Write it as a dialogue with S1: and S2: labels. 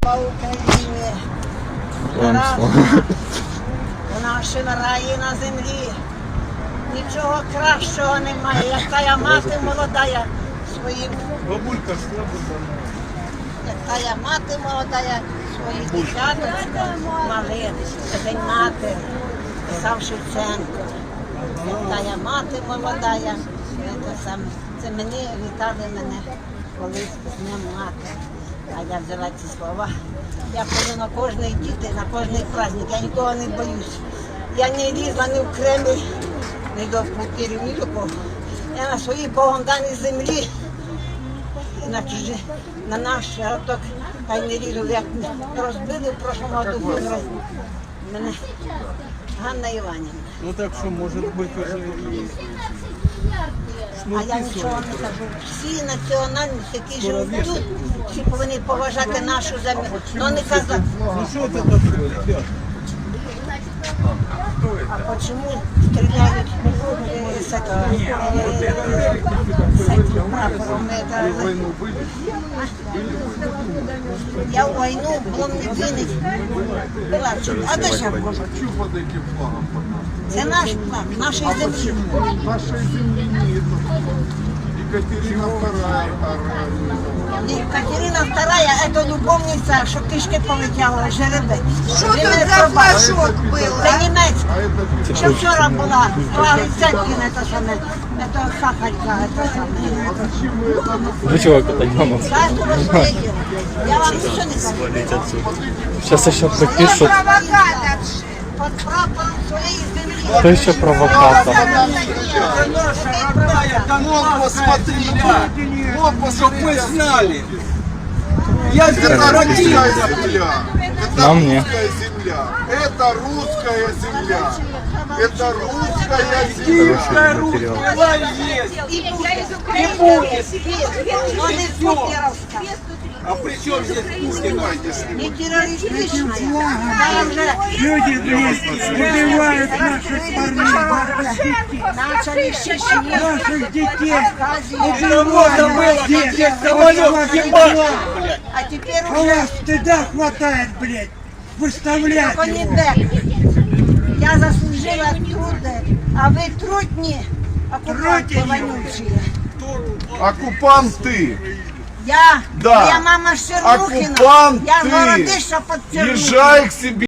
S1: Слава Україні! Вона ще на раї на землі. Нічого кращого немає, як тая мати молодая своїм.
S2: Бабулька слабо.
S1: Як тая мати молодая своїх дівчаточка малих. Це День матері, писав Шевченко. Як тая мати молодая, це мені вітали мене колись з Днем матері. А я взяла ці слова. Я ходжу на кожний діти, на кожний праздник, я нікого не боюсь. Я не лізла ні в Кремль, ні до пупірів, ні до кого. Я на своїй Богом даній землі, на наш городок, хай не лізу, як розбили в прошлому году мене Ганна Іванівна.
S2: Ну так що, може бути вже і...
S1: А я нічого не кажу. Всі національності, які живуть тут, всі повинні поважати нашу землю. Ну не казати.
S2: Ну що це таке, ребят?
S1: А почему стреляют с этим прапором? Я в войну в Ломнедине была. А де ще можу? Це наш флаг, нашої землі.
S3: Нашей земли нет. Екатерина II.
S1: Екатерина II – это любовниця, що кишки полетіла, жеребець.
S4: Що тут за флажок був?
S1: Це німецька. Що вчора була, Ценкін, це саме, це Сахарка, це саме.
S5: Вы чего катать мама?
S1: Я вам нічого не кажу.
S5: Сейчас еще припишут.
S4: Провокатор.
S1: Под прапором своєї землі.
S5: Кто еще провокатор?
S2: Это наша родная Донбасс, посмотрите, вот, чтоб мы знали. Я здесь
S3: Это русская
S2: родился.
S3: земля. Это
S5: Нам не.
S3: русская земля. Это русская земля. Это русская земля.
S2: Киевская Русь была и есть. И будет.
S1: Но не путлеровська.
S2: А при чем здесь Пушкин?
S1: Не террористична. Там же
S6: Люди, убивают наших парней,
S1: начали Чечни,
S6: наших детей.
S2: Это можно было, как здесь самолет ебать.
S1: а теперь
S6: А у
S1: уже
S6: вас стыда хватает, блядь, выставлять его.
S1: Конебек. Я заслужила труды, а вы трудни, оккупанты вонючие.
S3: Оккупанты.
S1: Я,
S3: Да.
S1: моя мама Шернухина,
S3: Оккупанты.
S1: я городища под Чернухиной.
S3: Езжай к себе.